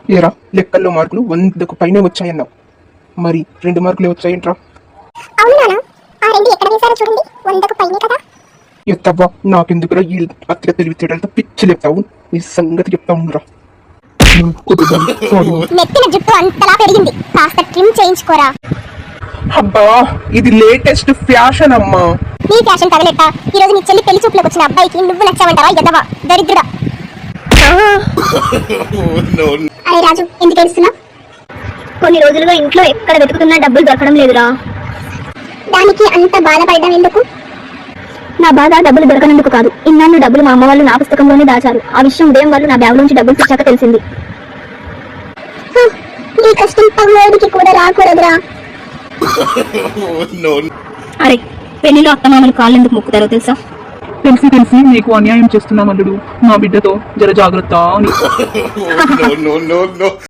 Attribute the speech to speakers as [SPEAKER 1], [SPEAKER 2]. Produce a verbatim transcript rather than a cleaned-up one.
[SPEAKER 1] ఏరా లెక్కల్లో మార్కులు వందకు పైనే వచ్చాయన్నావు, మరి రెండు మార్కులే వచ్చాయంట్రా? ఎత్తవ్వా, నాకెందుకురా ఈ అతిగా తెలివితేటలతో పిచ్చి లేపుతావు? నీ సంగతి చెప్తా ఉండరా.
[SPEAKER 2] నెత్తిన జుట్టు అంతలా పెరిగింది, కాస్త ట్రిమ్ చేయించుకోరా.
[SPEAKER 1] అబ్బా, ఇది లేటెస్ట్ ఫ్యాషన్ అమ్మా.
[SPEAKER 2] నీ ఫ్యాషన్ తగలెట్ట. ఈ రోజు నీ చెల్లి పెళ్లి చూపులకు వచ్చిన అబ్బాయికి నువ్వు నచ్చావంటావా? ఎదవా దరిద్రుడా. అరే రాజు, ఎందుకు ఏడుస్తున్నావు?
[SPEAKER 3] కొన్ని రోజులుగా ఇంట్లో ఎక్కడ వెతుకుతున్నా డబ్బులు దొరకడం లేదురా.
[SPEAKER 2] దానికి అంత బాధపడడం ఎందుకు?
[SPEAKER 3] నా బాధ డబ్బులు దొరకనందుకు కాదు. ఇన్నాళ్ళు డబ్బులు మా అమ్మ వాళ్ళు నా పుస్తకంలోనే దాచారు. ఆ విషయం ఉదయం వాళ్ళు నా బ్యాగ్ నుంచి డబ్బులు తెచ్చాక తెలిసింది.
[SPEAKER 2] నీ కష్టం పగోడికి కూడా రాకూడదురా.
[SPEAKER 3] అరే, పెళ్లిలో అత్తమామలు కాళ్ళు ఎందుకు మొక్కుతారో తెలుసా?
[SPEAKER 1] తెలిసి తెలిసి నీకు అన్యాయం చేస్తున్నాం అల్లుడు. నా బిడ్డతో జర జాగ్రత్త అని.